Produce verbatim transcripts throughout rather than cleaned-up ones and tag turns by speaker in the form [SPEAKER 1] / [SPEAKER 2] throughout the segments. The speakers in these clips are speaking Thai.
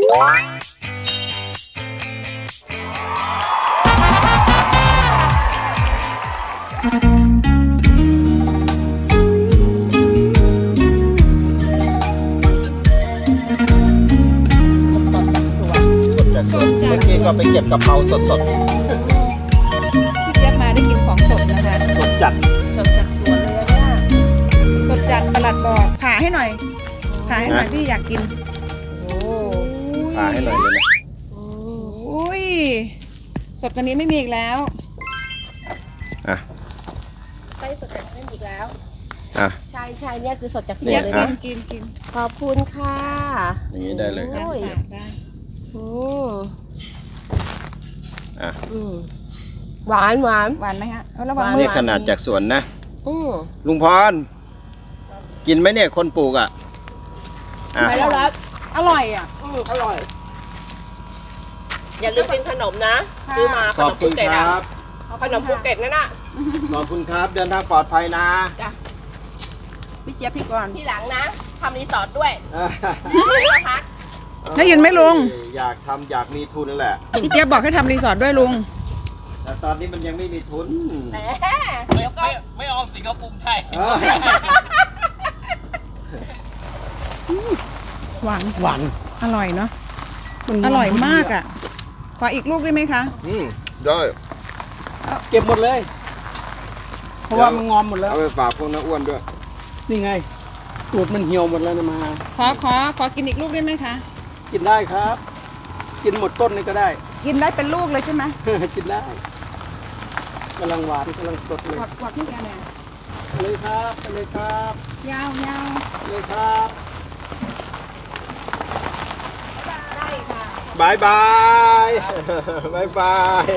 [SPEAKER 1] ก็ไปเก็บกะเพราสด
[SPEAKER 2] ๆพี่เจี๊ยบมาได้กินของสดนะคะ
[SPEAKER 1] สดจัด
[SPEAKER 3] สดจากสวนเลยเนี่ย
[SPEAKER 2] สดจัดประหลัดบอกผ่าให้หน่อยผ่าให้หน่อยพี่อยากกิน
[SPEAKER 3] โอ้
[SPEAKER 1] ผ่าให้หน่อยเลยนะ
[SPEAKER 2] อุ้ยสดกว่านี้ไม่มีอีกแล้ว
[SPEAKER 1] อ่ะ
[SPEAKER 3] ไปสดจากนั่นอีกแล้ว
[SPEAKER 1] อ่ะ
[SPEAKER 3] ใช่ใช่เนี่ยคือสดจากสว
[SPEAKER 2] เจี๊ย
[SPEAKER 3] น
[SPEAKER 2] บ
[SPEAKER 3] เลย
[SPEAKER 2] กิ
[SPEAKER 3] นะ
[SPEAKER 2] นกินกิน
[SPEAKER 3] ขอบคุณค่ะ
[SPEAKER 1] อย่างนี้ได้เลยครับ
[SPEAKER 3] โอ้ย
[SPEAKER 2] ได้
[SPEAKER 3] อืม
[SPEAKER 1] อ่ะ
[SPEAKER 3] อืมหวานหวาน
[SPEAKER 2] หวานไหมฮะเอาระวัง
[SPEAKER 1] นี่ขนาดจากสวนนะ
[SPEAKER 3] อืม
[SPEAKER 1] ลุงพรกินไหมเนี่ยคนปลูกอ่ะอ่ะ
[SPEAKER 3] ไปแล้วรับ
[SPEAKER 2] อร่อยอ่ะ
[SPEAKER 3] อืมอร่อยอย่าลืมกินขนมนะซื้อมาข
[SPEAKER 1] ขอน บ
[SPEAKER 3] ม
[SPEAKER 1] คุ
[SPEAKER 3] ภู
[SPEAKER 1] ณ
[SPEAKER 3] เก็ต
[SPEAKER 1] ค
[SPEAKER 3] อ่ะ
[SPEAKER 1] รับ
[SPEAKER 3] ขนมภูเก็ตนั่นน่ะ
[SPEAKER 1] ขอบคุณครับเดินทางปลอดภัยนะ
[SPEAKER 3] จ้ะ
[SPEAKER 2] พี่เจี๊ยบพี่ก่อน
[SPEAKER 3] ที่หลังนะทำรีสอร์ทด้วย
[SPEAKER 1] อ่ะ
[SPEAKER 3] ไม่ต้องพัก
[SPEAKER 2] ได้ยินไหมลุง
[SPEAKER 1] อยากทำอยากมีทุนแหละ
[SPEAKER 2] พี่เจี๊ยบบอกให้ทำรีสอร์ทด้วยลุง
[SPEAKER 1] แต่ตอนนี้มันยังไม่มีทุน
[SPEAKER 3] แหม
[SPEAKER 4] ไม่
[SPEAKER 3] เดี๋ยวก็
[SPEAKER 4] ไม่ไม่ออมสินเขาปรุงไทย
[SPEAKER 1] เออ
[SPEAKER 2] หวาน
[SPEAKER 1] หวาน
[SPEAKER 2] อร่อยเนาะอร่อยมากอ่ะขออีกลูกได้ไหมคะ
[SPEAKER 1] อืมได้
[SPEAKER 4] เก็บหมดเลย เพราะว่ามันงอมหมดแล้ว
[SPEAKER 1] เอาไปฝากพวกน้าอ้วนด้วย
[SPEAKER 4] นี่ไง ตูดมันเหี่ยวหมดแล้วนะมา
[SPEAKER 2] ขอขอขอกินอีกลูกได้ไหมคะ
[SPEAKER 4] กินได้ครับ กินหมดต้นนี่ก็ได้
[SPEAKER 2] กินได้เป็นลูกเลยใช่ไหม
[SPEAKER 4] กินได้กำลังหวานกำลังสดเลย
[SPEAKER 2] กอดกอดพี่แกเนี่ย
[SPEAKER 4] ไปเลยครับไปเลยครับ
[SPEAKER 2] ยาวยาว
[SPEAKER 4] ไปเลยครับ
[SPEAKER 2] ได้ค่ะ
[SPEAKER 1] บายบายบายบาย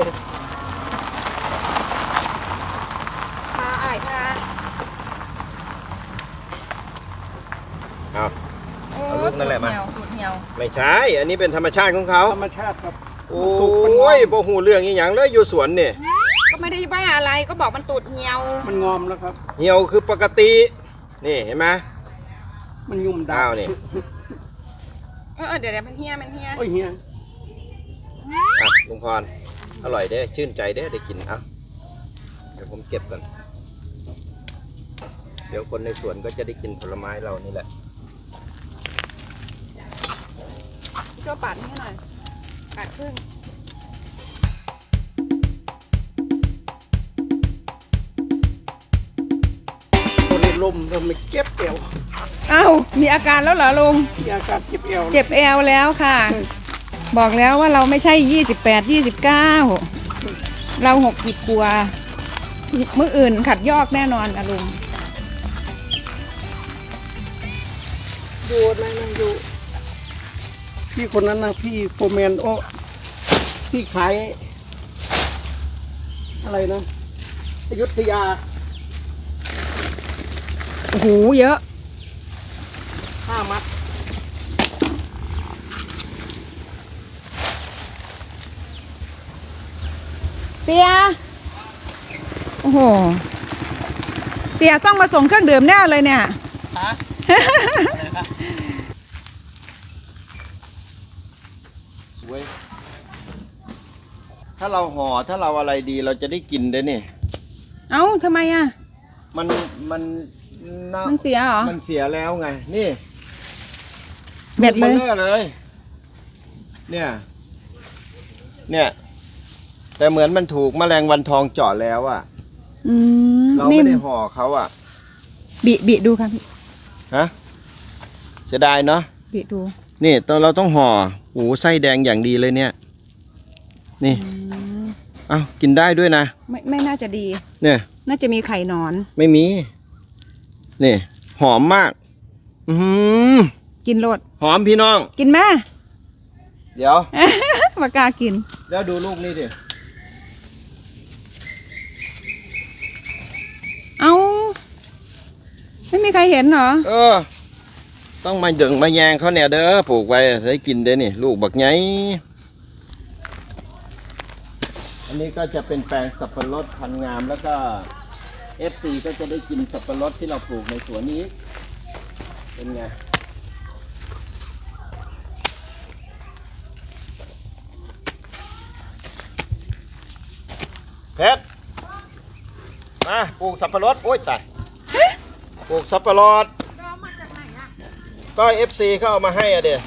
[SPEAKER 2] พาอ้ายพา
[SPEAKER 1] เอา
[SPEAKER 2] โอ้
[SPEAKER 1] เอาลูกนั่นแหละมา
[SPEAKER 2] ตูดเหี่ยวตูดเหี่ยว
[SPEAKER 1] ไม่ใช่ อันนี้เป็นธรรมชาติของเขา
[SPEAKER 4] ธรรมชาติครับ
[SPEAKER 1] โอ้
[SPEAKER 4] สุกมันงอม
[SPEAKER 1] ยบ่หูเรื่องอีหยังเลยอยู่สวนเนี่ย
[SPEAKER 2] ก็ไม่ได้ว่าอะไรก็บอกมันตูดเหี่ยว
[SPEAKER 4] มันงอมแล้วครับ
[SPEAKER 1] เหี่ยวคือปกติ นี่เห็นไหม
[SPEAKER 4] มันยุ่มดา
[SPEAKER 1] อ้าวนี่
[SPEAKER 2] เออเดี๋ยวเดี๋ยวมันเหี่ยมันเหี่ย
[SPEAKER 4] โอ้ยเฮีย
[SPEAKER 1] อ่ะลุงพรอร่อยเด้ชื่นใจเด้ได้กินอ่ะเดี๋ยวผมเก็บก่อนเดี๋ยวคนในสวนก็จะได้กินผลไม้เรานี่แหละ
[SPEAKER 2] ช่วยปาดให้หน่อยปาดครึ่ง
[SPEAKER 4] คนในลมเราไม่เก็บเอว
[SPEAKER 2] อ้าวมีอาการแล้วเหรอลุง
[SPEAKER 4] มีอาการเจ็บเอว
[SPEAKER 2] เจ็บแอวแล้วค่ะ บอกแล้วว่าเราไม่ใช่ยี่สิบแปด ยี่สิบเก้าเราหกสิบกว่ามื้ออื่นขัดยอกแน่นอนอะลุง
[SPEAKER 4] ดูนะนะดูพี่คนนั้นนะพี่โฟร์แมนโอพี่ขาย อะไรนะอยุธยา
[SPEAKER 2] โอ้โหเยอะ
[SPEAKER 4] ห้ามัด
[SPEAKER 2] เสียโอ้โหเสียต้องมาส่งเครื่องดื่มแน่เลยเนี่ย
[SPEAKER 4] ฮะ
[SPEAKER 1] เว้ยถ้าเราห่อถ้าเราอะไรดีเราจะได้กินได้นี่
[SPEAKER 2] เอ้าทำไมอ่ะ
[SPEAKER 1] มันมันน่า
[SPEAKER 2] มันเสียเหรอ
[SPEAKER 1] มันเสียแล้วไง นี่
[SPEAKER 2] เบ็ดเลย
[SPEAKER 1] ลูกบอเลย เนี่ย เนี่ย แต่เหมือนมันถูกแมลงวันทองเจาะแล้วอะ
[SPEAKER 2] อืม
[SPEAKER 1] เรา
[SPEAKER 2] นิ่
[SPEAKER 1] ไม่
[SPEAKER 2] ม
[SPEAKER 1] ได้ห่อเขาอะ
[SPEAKER 2] บิบิดูค่ะพี่
[SPEAKER 1] ฮะเสียดายเนาะ
[SPEAKER 2] บิดู
[SPEAKER 1] นี่ตอนเราต้องห่อโอ้ไส้แดงอย่างดีเลยเนี่ย นี่เอ้ากินได้ด้วยนะ
[SPEAKER 2] ไม่ไม่น่าจะดี
[SPEAKER 1] เนี่ย
[SPEAKER 2] น่าจะมีไข่นอน
[SPEAKER 1] ไม่มี นี่ หอมมาก อือหือ
[SPEAKER 2] กินโลด
[SPEAKER 1] หอมพี่น้อง
[SPEAKER 2] กินแม่
[SPEAKER 1] เดี๋ยว
[SPEAKER 2] ปากกล้ากิน
[SPEAKER 1] แล้วดูลูกนี่ดิ
[SPEAKER 2] เอาไม่มีใครเห็นเหรอ
[SPEAKER 1] เออ ต้องมาดึงมาแยงเขาเนี่ยเด้อปลูกไว้ได้กินเด้อนี่ ลูกบักไงอันนี้ก็จะเป็นแปลงสับปะรดพันธุ์งามแล้วก็ เอฟ ซี ก็จะได้กินสับปะรดที่เราปลูกในสวนนี้ เป็นไงเพชรมาปลูกสับปะรดโอ้ยตายปลูกสับปะรดก็เอฟซีเขาเอามาให้อะเดี๋ย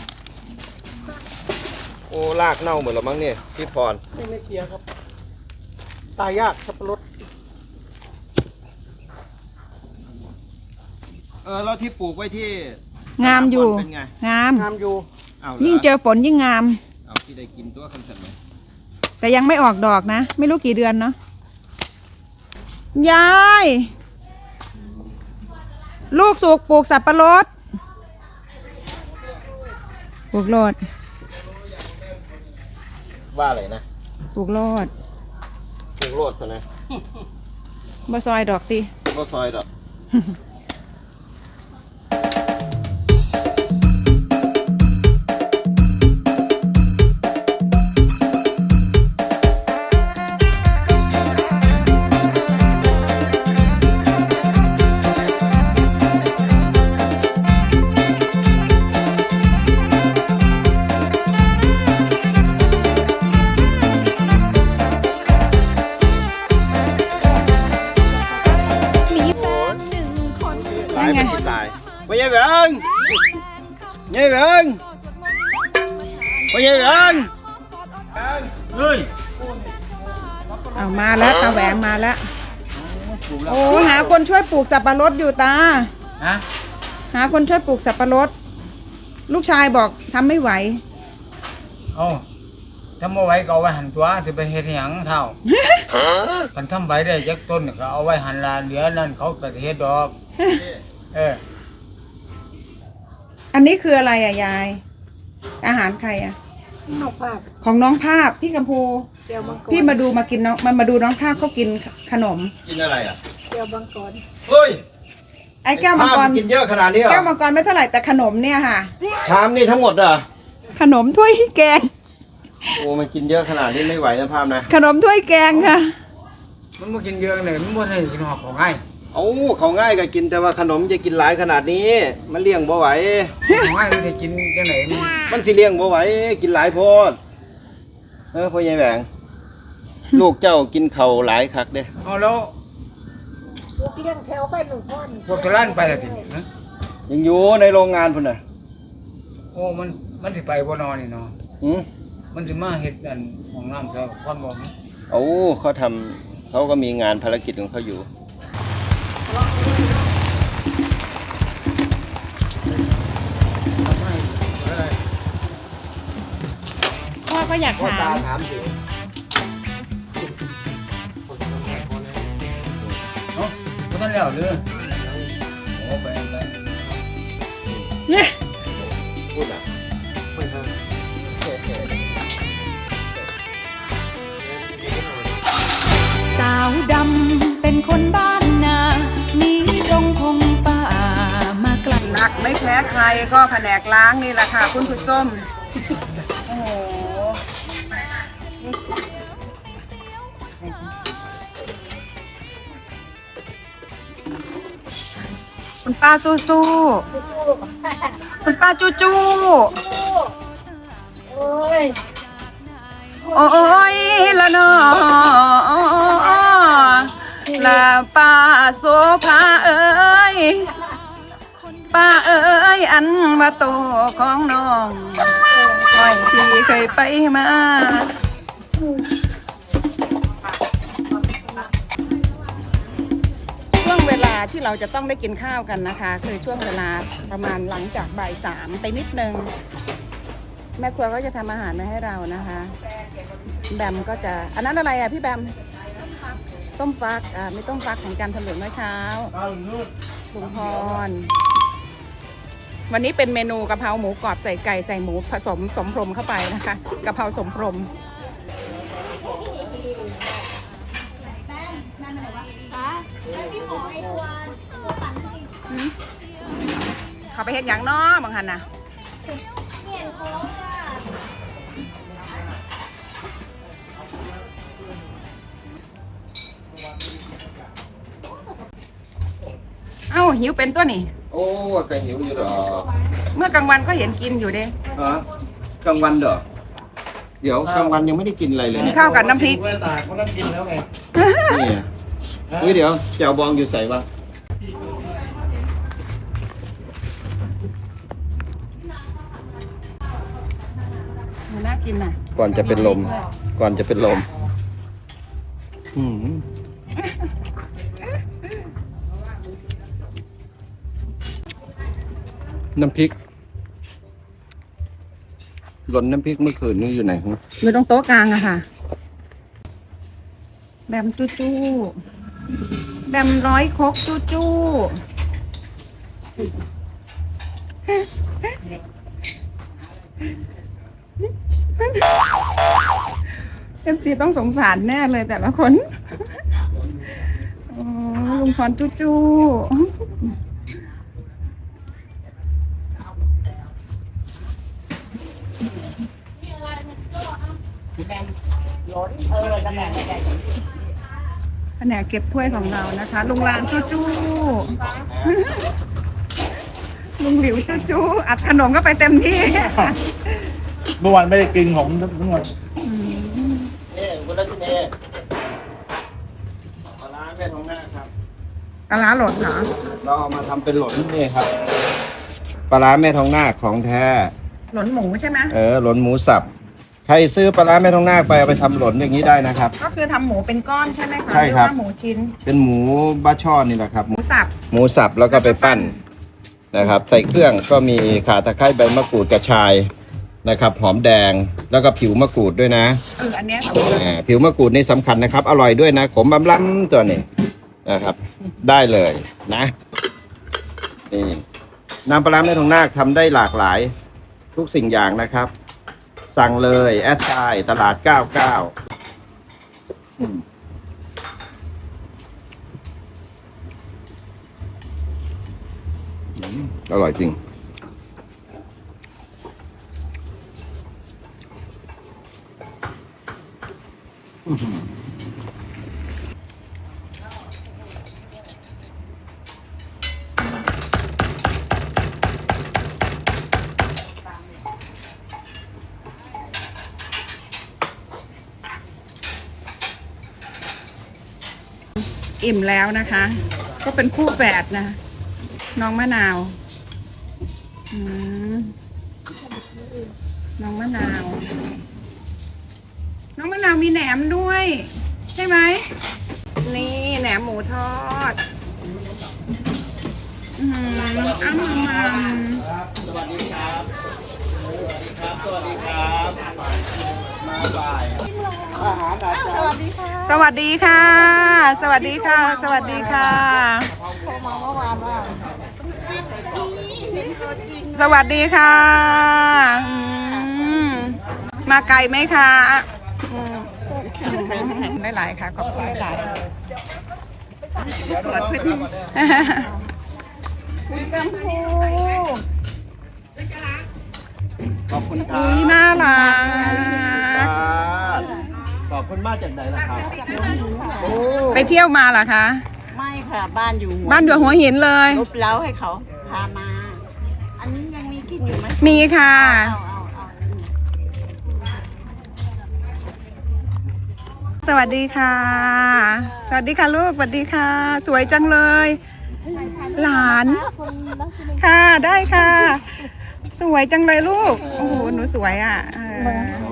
[SPEAKER 1] โอ้ลากเน่าหมดแล้วมั้งเนี่ยพี่พร
[SPEAKER 4] ไม่ไม่เกียร์ครับ ตายยากสับปะรด
[SPEAKER 1] เออแล้วที่ปลูกไว้ที่
[SPEAKER 2] งามอยู่
[SPEAKER 1] เป็นไง
[SPEAKER 2] งาม
[SPEAKER 4] งามอยู่
[SPEAKER 1] เอา
[SPEAKER 2] ยิ่งเจอฝนยิ่งงาม
[SPEAKER 1] เอาที่ได้กินตัวคำสั่งไหม
[SPEAKER 2] แต่ยังไม่ออกดอกนะ ไม่รู้กี่เดือนเนาะยาย ลูกสุกปลูกสับปะรดปลูกโลด
[SPEAKER 1] ว่าอะไรนะ
[SPEAKER 2] ปลูกโลด
[SPEAKER 1] ปลูกโลดนะ
[SPEAKER 2] บ่ซอยดอกติ
[SPEAKER 1] ก็ซอยดอก ตายไม่กินตายไม่ใช่เบิงไม่ใช่เบิงไม่ใช่เบิงเฮ้ย
[SPEAKER 2] เอามาแล้วตาแหวงมาแล้ว โอ้หาคนช่วยปลูกสับปะรดอยู่ตา
[SPEAKER 5] ฮะ
[SPEAKER 2] หาคนช่วยปลูกสับปะรด ลูกชายบอกทำไม่ไหว
[SPEAKER 5] โอ้ทำเอาไว้ก็เอาไว้หันตัวจะไปเฮ็ดหยังเท่ากันทำไว้ได้จักต้นก็เอาไว้หันลาเหลือนั่นเขาก็สิเฮ็ดดอก เออ
[SPEAKER 2] อันนี้คืออะไรอะยาย อาหารใครอะ
[SPEAKER 4] นอกภาพ
[SPEAKER 2] ของน้องภาพพี่กัมพู
[SPEAKER 4] เกียวมังกร
[SPEAKER 2] พี่มาดูมากินน้องมามาดูน้องภาพเขากินขนม
[SPEAKER 1] กินอะไรอ่ะ
[SPEAKER 4] เกียวมังกร
[SPEAKER 1] เฮ้ย
[SPEAKER 2] ไอ้แก้วมังกร
[SPEAKER 1] กินเยอะขนาดนี้เหรอ
[SPEAKER 2] แก้วมังกรไม่เท่าไหร่แต่ขนมเนี่ยค่ะ
[SPEAKER 1] ชามนี่ทั้งหมดเหรอ
[SPEAKER 2] ขนมถ้วยแกง
[SPEAKER 1] โอ้มันกินเยอะขนาดนี้ไม่ไหวนะภาพนะ
[SPEAKER 2] ขนมถ้วยแกงค่ะ
[SPEAKER 5] มันบ่กินเยอะเลยมันบ่ได้กินหอกของง่าย
[SPEAKER 1] โอ้เขาง่ายก็กินแต่ว่าขนมจะกินหลายขนาดนี้ มันเลี้ยงบ่ไหว
[SPEAKER 5] ของง่ายมันจะกินจังไหนมัน
[SPEAKER 1] มันสิเลี้ยงบ่ไหวกินหลายโพดเออพ่อใหญ่แหวงลูกเจ้ากินเข่าวหลายคักเด้
[SPEAKER 5] เอาแล้ว
[SPEAKER 4] ลูกเลี้ยงแถวไปหนึ่งคน
[SPEAKER 5] พวกตะล้านไปแล้วติฮะ
[SPEAKER 1] ยังอยู่ในโรงงานพุ่นน่ะ
[SPEAKER 5] โอ้มันมันสิไปบ่นอนนี่เนาะ
[SPEAKER 1] หืม
[SPEAKER 5] มันสิมาเฮ็ดอันห้องน้ำซะก่อนบ่ฮะ
[SPEAKER 1] โอ้เขาทำเขาก็มีงานภารกิจของเขาอยู่
[SPEAKER 2] พ่อก็อยากถาม
[SPEAKER 1] ถามอยู่
[SPEAKER 5] เนาะบ่ทันแล้วเด้อโอ้ไปไป
[SPEAKER 2] เนี่ย
[SPEAKER 1] พูดอ่ะ
[SPEAKER 6] สาวดำเป็นคนบ้านนามีดงพงป่ามาไกล
[SPEAKER 2] หนักไม่แพ้ใครก็แผนกล้างนี่แหละค่ะคุณผู้ส้ม โอ้โห คุณป้าสู้สู้ๆคุณป้าจู้จู้โอ้ยละนอละป้าโซภาเอ้ยป้าเอ้ยอันว่าโตของน้องไว้ที่เคยไปมา ช่วงเวลาที่เราจะต้องได้กินข้าวกันนะคะ คือช่วงเวลาประมาณหลังจากบ่ายสามไปนิดนึง แม่ครัวก็จะทำอาหารมาให้เรานะคะ แบมก็จะอันนั้นอะไรอ่ะพี่แบมต้มฟักอ่าไม่ต้มฟักของการถลุงเมื่อเช้าลุงพรวันนี้เป็นเมนูกะเพราหมูกรอบใส่ไก่ใส่หมูผสมสมพรมเข้าไปนะคะกะเพราสมพรมเขาไปเห็นอย่างน้อบางหันนะเอ้าหิวเป็นตัวนี่
[SPEAKER 1] โอ้ก็หิวอยู่ดอก
[SPEAKER 2] เมื่อกลางวันก็เห็นกินอยู่เด้
[SPEAKER 1] ฮะกลางวันเด้อดี๋ยวกลางวันยังไม่ได้กินอะไรเลย
[SPEAKER 2] กิน
[SPEAKER 1] เนี่ย
[SPEAKER 2] ข้าวกับน้ำพริก
[SPEAKER 4] ไม่ตายเขานั่งกินแล้วไง
[SPEAKER 1] นี่อ่ะเฮ้ยเดี๋ยวแจ่วบองอยู่ใส่ปะ
[SPEAKER 2] น่ากินน่ะ
[SPEAKER 1] ก่อนจะเป็นลม ก่อนจะเป็นลมอืมน้ำพริกหล่นน้ำพริกเมื่อคืนนี่อยู่ไหนครับ
[SPEAKER 2] อยู่ตรงโต๊ะกลางอะค่ะ แบมจู้จู้แบมร้อยครกจู้จู้เอฟซีต้องสงสารแน่เลยแต่ละคนโอ้ลุงพรจู้จู้แผนกเก็บถ้วยของเรานะคะ ลุงลานจู้จู้ลุงหลิวจู้จู้อัดขนมก็ไปเต็มที่
[SPEAKER 4] เมื่อวานไม่ได้กินของทั้งวัน
[SPEAKER 1] นี่คุณรัชเนยปลาร้าแม่ทองหน้าครับ
[SPEAKER 2] ปลาร้าหล่นเหรอ
[SPEAKER 1] เราเอามาทำเป็นหล่นนี่ครับปลาร้าแม่ทองนาคของแท้
[SPEAKER 2] หล่นหมูใช่ไหม
[SPEAKER 1] เออหล่นหมูสับใครซื้อปลาร้าแม่ทองนาคไปเอาไปทำหล่นอย่างนี้ได้นะครับ
[SPEAKER 2] ก็คือทำหมูเป็นก้อนใช่ไหมคะ
[SPEAKER 1] ใช่ครับ
[SPEAKER 2] หอว่าหมูชิ้น
[SPEAKER 1] เป็นหมูบ้าช่อนี่แหละครับ
[SPEAKER 2] หมูสับ
[SPEAKER 1] หมูสับแล้วก็ไปปั้นนะครับ ใส่เครื่องก็มีข่าตะไคร้ใบมะกรูดกระชายนะครับ หอมแดงแล้วก็ผิวมะกรูดด้วยนะ
[SPEAKER 2] เอออันเนี้ยสำคัญ
[SPEAKER 1] อ่าผิวมะกรูดนี่สำคัญนะครับ อร่อยด้วยนะขมบำล้ำตัวนี้นะครับ ได้เลยนะนี่น้ำปลาร้าแม่ทองนาคทำได้หลากหลายทุกสิ่งอย่างนะครับ สั่งเลยแอดไซน์ตลาดเก้าเก้าอืมอืมอร่อยจริง
[SPEAKER 2] อิ่มแล้วนะคะ ก็เป็นคู่แฝดนะ น้องมะนาวอืมน้องมะนาว น้องมะนาวมีแหนมด้วย ใช่ไหม นี่แหนมหมูทอด อืมอ้ำมา
[SPEAKER 1] สวัสดีครับ สวัสดีครับ สวัสดีครับ มาบ่ายอาหารอาจารย์
[SPEAKER 2] สวัสดีค่ะ สวัสดีค่ะ สวัสดีค่ะ สวัสดีค่ะอืมมาไกลไหมคะอืมได้หลายค่ะขอบคุณหลายเปิดพื้นที่คุณกัมพู
[SPEAKER 1] ขอบคุณครั
[SPEAKER 2] อุ้
[SPEAKER 1] บ
[SPEAKER 2] ยน่ารัก
[SPEAKER 1] ขอบคุณมากจากไหนล่ะครับ
[SPEAKER 2] ไปเที่ยวมาเหรอคะ
[SPEAKER 7] ไม่ค่ะ บ้านอยู่หัว
[SPEAKER 2] บ้านอยู่หัวหินเลย
[SPEAKER 7] ลบเล้าให้เขาพามา อันนี้ยังมีกินอยู่ไหม
[SPEAKER 2] มีค่ะ
[SPEAKER 7] เอาเอาเอา
[SPEAKER 2] สวัสดีค่ะ สวัสดีค่ะลูก สวัสดีค่ะ สวยจังเลย หลาน ค่ะ ได้ค่ะ สวยจังเลยลูก โอ้โห หนูสวยอ่ะเออ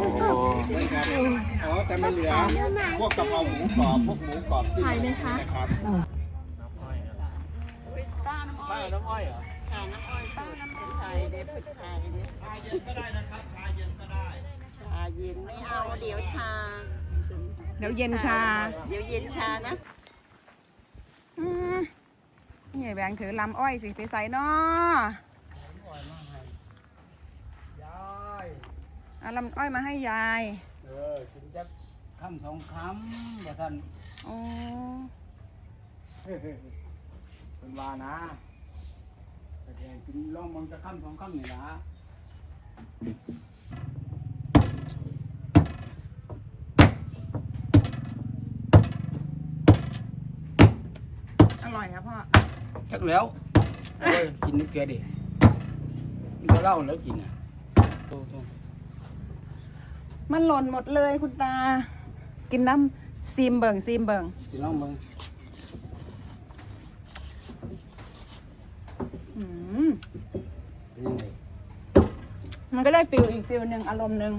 [SPEAKER 1] อ๋อ แต่ไม่เหลือ พวกกะเพราหมูกรอบ พวกหมูกรอบที่ไหมคะนะครับ
[SPEAKER 7] ป้าน้ำอ้อยน้ำอ้อยเหรอค่ะน้ำอ้อยป้าน้ำผึ้งไทยเด็ดผึ้งไทยเด็ด
[SPEAKER 1] ชาเย็นก็ได้นะครับ ชาเย็นก็ได้
[SPEAKER 7] ชาเย็นไม่เอาเดี๋ยวชา
[SPEAKER 2] เดี๋ยวเย็นชา
[SPEAKER 7] เดี๋ยวเย็นชานะ
[SPEAKER 2] อืมนี่แบงค์ถือลำอ้อยสิ ไปใส่นอเอาลำอ้อยมาให้ยาย
[SPEAKER 5] เออกินจักคำสองคำบ่ท่าน
[SPEAKER 2] โอ้
[SPEAKER 5] เป็นว่านะแต่แกกินลองมองจะคำสองคำนี่ละ
[SPEAKER 2] อร่อยครับพ่อ
[SPEAKER 5] จักแล้วโอ้ยกินนึกแกดิกินก็เหล้าแล้วกินอ่ะโตโต
[SPEAKER 2] มันหล่นหมดเลยคุณตา กินน้ำซีมเบิงซีมเบิง
[SPEAKER 4] สิลองมึง
[SPEAKER 2] อืมมันก็ได้ฟิลอีกฟิลหนึ่งอารมณ์หนึ่ง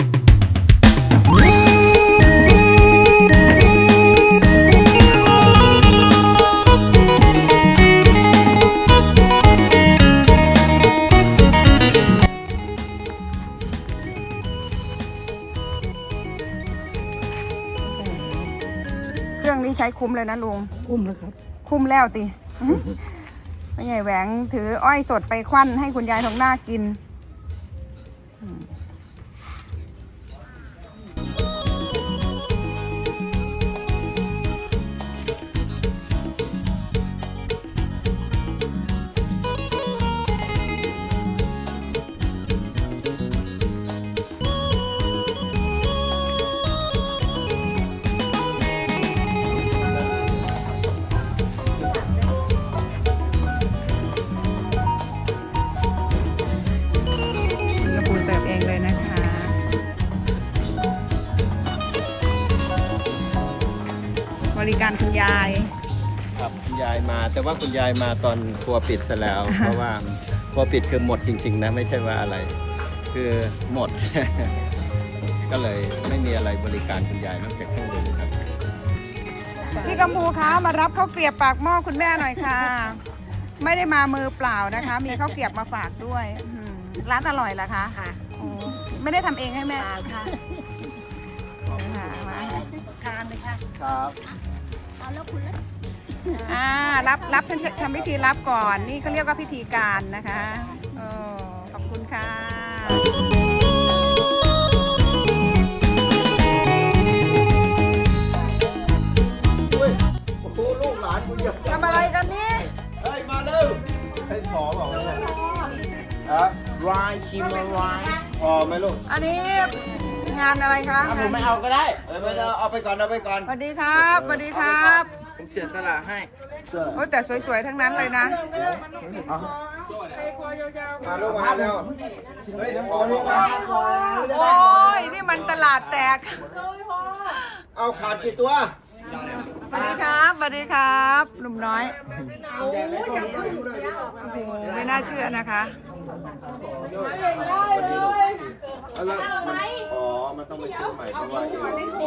[SPEAKER 2] เครื่องนี้ใช้คุ้มเลยนะลุง
[SPEAKER 4] คุ้มนะครับ
[SPEAKER 2] คุ้มแล้วติ ไม่ใหญ่แหวงถืออ้อยสดไปควันให้คุณยายทองนาคกิน กระปูเสิร์ฟเองเลยนะคะ บริการคุณยาย
[SPEAKER 1] ครับคุณยายมา แต่ว่าคุณยายมาตอนครัวปิดซะแล้ว เพราะว่าครัวปิดคือหมดจริง ๆ นะ ไม่ใช่ว่าอะไร คือหมด ก็เลยไม่มีอะไรบริการคุณยายนอกจากเครื่องดื่มครับ
[SPEAKER 2] พี่กัมพูคะมารับข้าวเกรียบปากหม้อคุณแม่หน่อยค่ะ ไม่ได้มามือเปล่านะคะ มีข้าวเกรียบมาฝากด้วยอืมร้านอร่อยเหรอคะ
[SPEAKER 7] ค่ะ
[SPEAKER 2] โอ้ไม่ได้ทำเองให้แม่
[SPEAKER 7] ค่ะค่ะ
[SPEAKER 2] ค่ะมา
[SPEAKER 7] ทานเลยค่ะ
[SPEAKER 1] ครับ
[SPEAKER 7] เอาแล้วคุณละ
[SPEAKER 2] อ่ารับรับทำพิธีรับก่อน นี่เขาเรียกว่าพิธีการนะคะโอ้ขอบคุณค่ะ
[SPEAKER 1] โอ้โหลูกหลานคุณเยอะ
[SPEAKER 2] ทำอะไรกันนี่
[SPEAKER 1] เฮ้ย มาเร็วให้ขอบอกว่าเนี่ยฮะ
[SPEAKER 5] รายชิมราย
[SPEAKER 1] พอไหมลูก
[SPEAKER 2] อันนี้งานอะไรคะ
[SPEAKER 5] ผมไม่เอาก็ได้
[SPEAKER 1] เอ้ยไม่ได้เอาไปก่อนเอาไปก่อน
[SPEAKER 2] สวัสดีครับสวัสดีครับ
[SPEAKER 5] ผมเสียสละให้
[SPEAKER 2] โอ้แต่สวยๆทั้งนั้นเลยนะ
[SPEAKER 1] มาลูกมาเร็วเฮ้ยขอลูกมา
[SPEAKER 2] โอ้ยนี่มันตลาดแตก
[SPEAKER 1] เอาขาดกี่ตัว
[SPEAKER 2] สวัสดีครับสวัสดีครับหนุ่มน้อยโอ้โหไม่น่าเชื่อนะคะ
[SPEAKER 1] แล้วมันอ๋อ มันต้องไปซื้อใหม่เพราะว่าเอวใส่ไม่ได้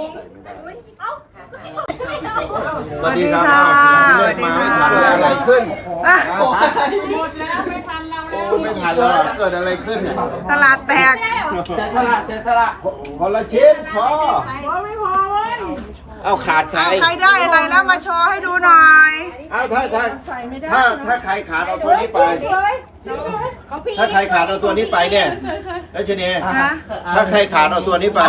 [SPEAKER 2] สวัสดีค่ะ
[SPEAKER 1] เรียกมาไม่ทันเลยอะไรขึ้นหมดแล้วไม่ทันเราแล้วไม่ทันแล้วเกิดอะไรขึ้นเนี่ย
[SPEAKER 2] ตลาดแตก
[SPEAKER 5] เสียสละเสียสละ
[SPEAKER 1] คนละชิ้นพอเอาขาดใคร
[SPEAKER 2] เอาใครได้อะไรแล้วมาโชว์ให้ดูหน่อย
[SPEAKER 1] เอาถ้าถ้าถ้าถ้าใครขาดเอาตัวนี้ไป ถ้าใครขาดเอาตัวนี้ไปเนี่ยแล้วชนี
[SPEAKER 2] ฮะ
[SPEAKER 1] ถ้าใครขาดเอาตัวนี้ไป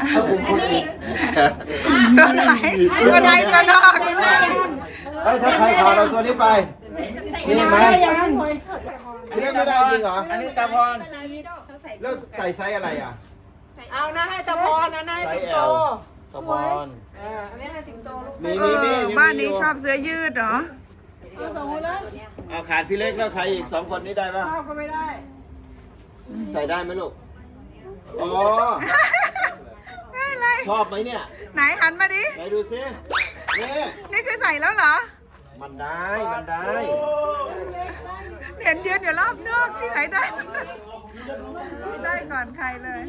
[SPEAKER 2] ตัวไหนตัวไหนตัวนอก
[SPEAKER 1] เฮ้ยถ้าใครขาดเอาตัวนี้ไป มีไหมเรียกไม่ได้จริงเหรอ
[SPEAKER 5] อันนี้ตาพร
[SPEAKER 1] แล้วใส่ไซส์อะไรอ่ะ
[SPEAKER 7] เอานะให้ตะพรนะนะ
[SPEAKER 1] ไซ
[SPEAKER 7] ให้
[SPEAKER 1] ส์
[SPEAKER 7] สิง
[SPEAKER 1] แอ
[SPEAKER 7] โต
[SPEAKER 1] ลตะพร
[SPEAKER 7] เอออันนี้ให้สิงโตลูก
[SPEAKER 1] มี
[SPEAKER 2] เอ
[SPEAKER 1] มีมี
[SPEAKER 2] อ
[SPEAKER 1] ยังมี
[SPEAKER 2] บ้านนี้
[SPEAKER 1] ยู่
[SPEAKER 2] ชอบเสื้อยืดเหรอ
[SPEAKER 7] เอาสองคนแล้ว
[SPEAKER 1] เอาขาดพี่เล็กแล้วใครอีกสองคนนี้ได้ป่ะ
[SPEAKER 7] ข้าวก็ไม่ได้
[SPEAKER 1] ใส่ได้ไหมลูก อ๋อ
[SPEAKER 2] ได้เลย
[SPEAKER 1] ชอบไหมเนี่ย
[SPEAKER 2] ไหนหันมาดิ
[SPEAKER 1] ไหนดูซินี่
[SPEAKER 2] นี่คือใส่แล้วเหรอ
[SPEAKER 1] มันได้ มันได้
[SPEAKER 2] เห็นยืนอยู่รอบนอกที่ไหนได้ ได้ก่อนใครเลย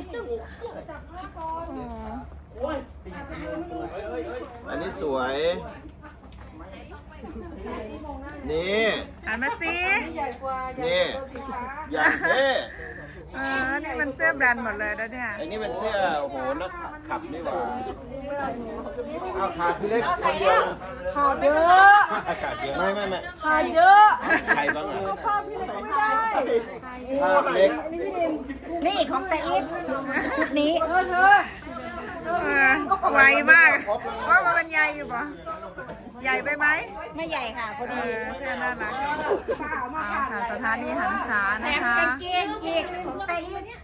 [SPEAKER 2] โอ้
[SPEAKER 1] อันนี้สวย นี่
[SPEAKER 2] หันมาสิ
[SPEAKER 1] นี่อย่างเท่
[SPEAKER 2] เออ นี่มันเสื้อแบรนด์หมดเลยนะเนี่ย
[SPEAKER 1] ไอ้นี่เป็นเสื้อ โอ้โห นักขับนี่หว่าเอาขาดพี่เล็กคนเดียว
[SPEAKER 7] ขาดเยอะ
[SPEAKER 1] ขาดเดียวไม่ไม่ไม่
[SPEAKER 7] ขาดเยอะ
[SPEAKER 1] ใครบ้างอ่ะ
[SPEAKER 7] ข้าวพี่เล็กไม่ได้
[SPEAKER 1] ขาดเล็ก
[SPEAKER 7] นี่ของแต่อีฟชุดนี้เออเธอ
[SPEAKER 2] เออไวมาก ว่ามันเป็นใหญ่อยู่ปะใหญ่ไปไหม
[SPEAKER 7] ไม่ใหญ่ค่ะพอ
[SPEAKER 2] เอ
[SPEAKER 7] ดี
[SPEAKER 2] อเสื้อน่ารักเอาค่ะสถานีหันษา
[SPEAKER 7] แถ
[SPEAKER 2] นะ
[SPEAKER 7] ม
[SPEAKER 2] คะ
[SPEAKER 7] กางเกงอีกของแต่อีฟ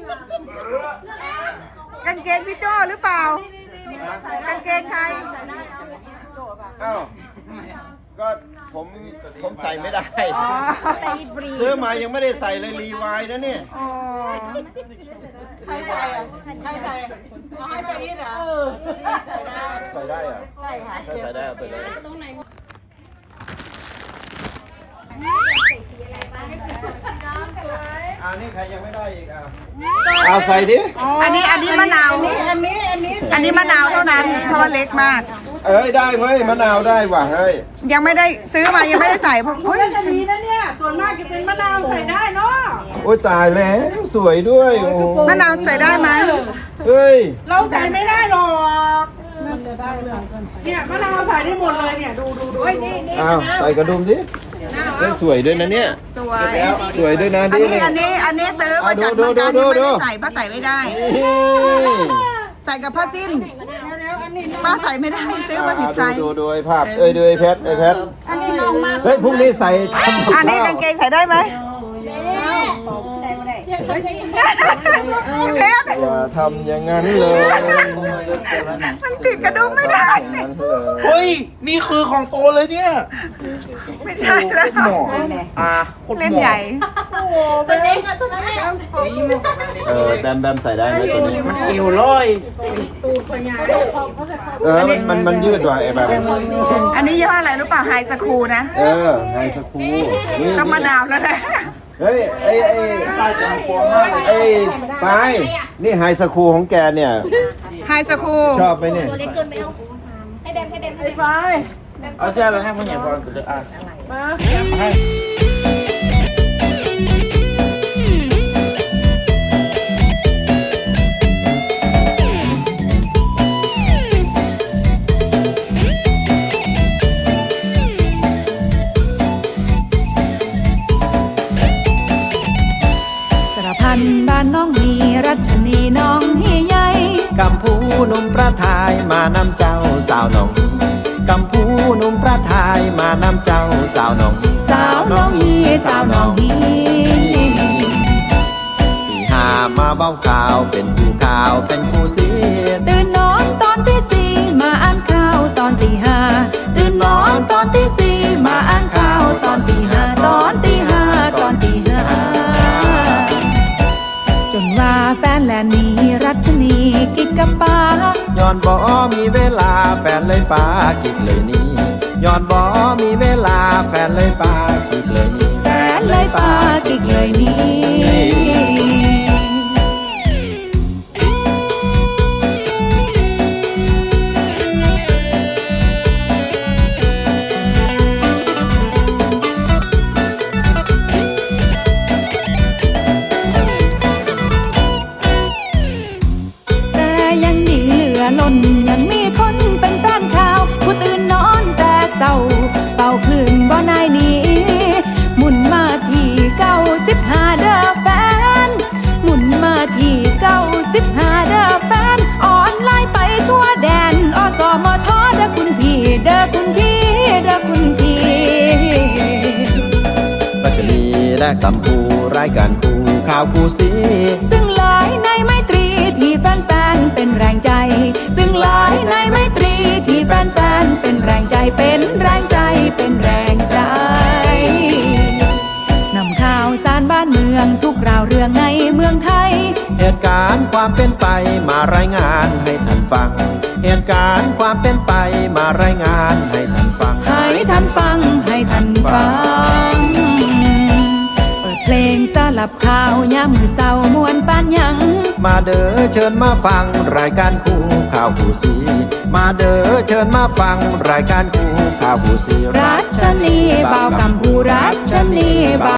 [SPEAKER 2] กางเกงพี่โจ้หรือเปล่า กางเกงใคร
[SPEAKER 1] เอ้าก็ผผมผมใส่ไม่ได้
[SPEAKER 2] อ๋อ
[SPEAKER 1] ซื้อมายังไม่ได้ใส่เลยรีไวน์นะเนี่ย
[SPEAKER 2] อ๋อ
[SPEAKER 1] ใส่ได้เหรอะใช่ค่ะถ้าใส่ได้เอาไปเลยอันนี้ใครยังไม่ได้อีกอ่ะเอาใส่ดิ
[SPEAKER 2] อันนี้อันนี้มะนาวอันนี้อันนี้อันนี้อันนี้มะนาวเท่านั้นเพราะว่าเล็กมาก
[SPEAKER 1] เอ้ยได้เว้ยมะนาวได้ว่ะเฮ้ย
[SPEAKER 2] ยังไม่ได้ซื้อมายังไม่ได้ใส่เพราะเฮ้ย
[SPEAKER 7] จะมีนะเนี่ย ส่วนมากจะเป็นมะนาวใส่ได้เนาะ
[SPEAKER 1] โอ้ยตายแล้วสวยด้วยโอ้โห
[SPEAKER 2] มะนาวใส่ได้ไหม
[SPEAKER 1] เฮ้ย
[SPEAKER 7] เราใส่ไม่ได้หรอกเนี่ยมะนาวใส่ได้หมดเลยเนี่ย ดูดูดูนี่นี่
[SPEAKER 1] อ้าวใส่กระดุมดิเฮ้ยสวยด้วยนะเนี่ย
[SPEAKER 2] สวย
[SPEAKER 1] สวยด้วยนะ
[SPEAKER 2] อัน
[SPEAKER 1] ดิ
[SPEAKER 2] นี้อันนี้อันนี้ซื้อมาจาก
[SPEAKER 1] ดู
[SPEAKER 2] เมือง
[SPEAKER 1] ดู
[SPEAKER 2] การ
[SPEAKER 1] ดู
[SPEAKER 2] นี่ไม่
[SPEAKER 1] ดู
[SPEAKER 2] ได้ใส่ป้าใส่ไม่ได้
[SPEAKER 1] นี่
[SPEAKER 2] ใส่กับผ้าสิ้นป้าใส่ไม่ได้ซื้อมาผิดไซส์
[SPEAKER 1] ดูดูดูไอ้ภาพเอ้ยดูไอ้แพทไอ้แพท
[SPEAKER 2] อันนี้น้องมาก
[SPEAKER 1] เฮ้ยพรุ่งนี้ใส่ทำกับ
[SPEAKER 2] อันนี้
[SPEAKER 1] ข้าว
[SPEAKER 2] กางเกงใส่ได้ไหมเพชร
[SPEAKER 1] อย่าทำอย่างนั้นเลย
[SPEAKER 2] มันติดกระดุมไม่ได้
[SPEAKER 1] อย่างนั้นเลย
[SPEAKER 4] เฮ้ย นี่คือของโตเลยเนี่ย
[SPEAKER 2] ไม่ใช่แล้ว
[SPEAKER 4] หมออ่าคน
[SPEAKER 2] เล่นใหญ่
[SPEAKER 3] เป็นเองอะตัวนั้นเนี่ย
[SPEAKER 1] เออแบมแบมใส่ได้ไหมตัวนี้
[SPEAKER 4] เอวร้อย
[SPEAKER 1] เออมันมันมันยืดว่ะไอ้แบบ
[SPEAKER 2] อันนี้ยี่ห้ออะไรรู้เปล่าไฮสคูลนะ
[SPEAKER 1] เออไฮสคูลนี่
[SPEAKER 2] ต้องมะนาวแล้วนะ
[SPEAKER 1] เฮ้ยไอ้ไอ้ไอ้ปายนี่ไฮสคูลของแกเนี่ย
[SPEAKER 2] ไฮสคูล
[SPEAKER 1] ชอบไหมเนี่ย
[SPEAKER 4] เอาเสื้อไปให้ผู้ใหญ่ก่อนเลยอ่ะมาให้
[SPEAKER 6] สารพันบ้านน้องมีรัชนีน้องเฮียใหญ่
[SPEAKER 8] กำพูหนุ่มประทายมานำเจ้าสาวหนองกำพูหนุ่มประทายมานำเจ้าสาวหนอง
[SPEAKER 6] สาวน้องฮีสาวน้องฮี
[SPEAKER 8] ปีหามาเบ้าข่าวเป็นผู้ข่าวเป็นผู้เสียด
[SPEAKER 6] ตื่นนอนตอนที่สี่มาอ่านข่าวตอนตีห้าตื่นนอนตอนที่สี่มาอ่านข่าวตอนตีห้าตอนตีห้าตอนตีห้าจนว่าแฟนแลนนี้รัชนีกิกกับป้า
[SPEAKER 8] ย้อนบ่มีเวลาแฟนเลยปากิดเลยนี่ย้อนบ่มีเวลาแฟนเลยปากิดเลยนี่
[SPEAKER 6] แฟนเลยป้ากิกเลยนี้ แต่ยังดีเหลือล้นยังมีคนเป็นแฟนข่าวผู้ตื่นนอนแต่เศร้าเป่าคลื่นบ่นายหนี้หมุนมาที่เก้าสิบห้าเด้อแฟนหมุนมาที่เก้าสิบห้าเด้อแฟนออนไลน์ไปทั่วแดนอสมทเด้อคุณพี่เด้อคุณพี่เด้อคุณพี่
[SPEAKER 8] รัชนีและกำพูรายการคู่ข่าวคู่สี
[SPEAKER 6] ซึ่งหลายในไมตรีที่แฟนๆเป็นแรงใจ ซึ่งหลายในไมตรีที่แฟนๆเป็นแรงใจเป็นแรงใจเป็นแรงใจนำข่าวสารบ้านเมืองทุกราวเรื่องในเมืองไทย
[SPEAKER 8] เหตุการณ์ความเป็นไปมารายงานให้ท่านฟัง เหตุการณ์ความเป็นไปมารายงานให้ท่านฟัง
[SPEAKER 6] ให้ท่านฟังให้ท่านฟัง เปิดเพลงสลับข่าวยามมือเศร้ามวนปานหยัง
[SPEAKER 8] มาเด้อเชิญมาฟังรายการคู่ข่าวคู่สี มาเด้อเชิญมาฟังรายการคู่ข่าวคู่สี
[SPEAKER 6] รัชนีบ่าวกำพูรัชนีบ่าว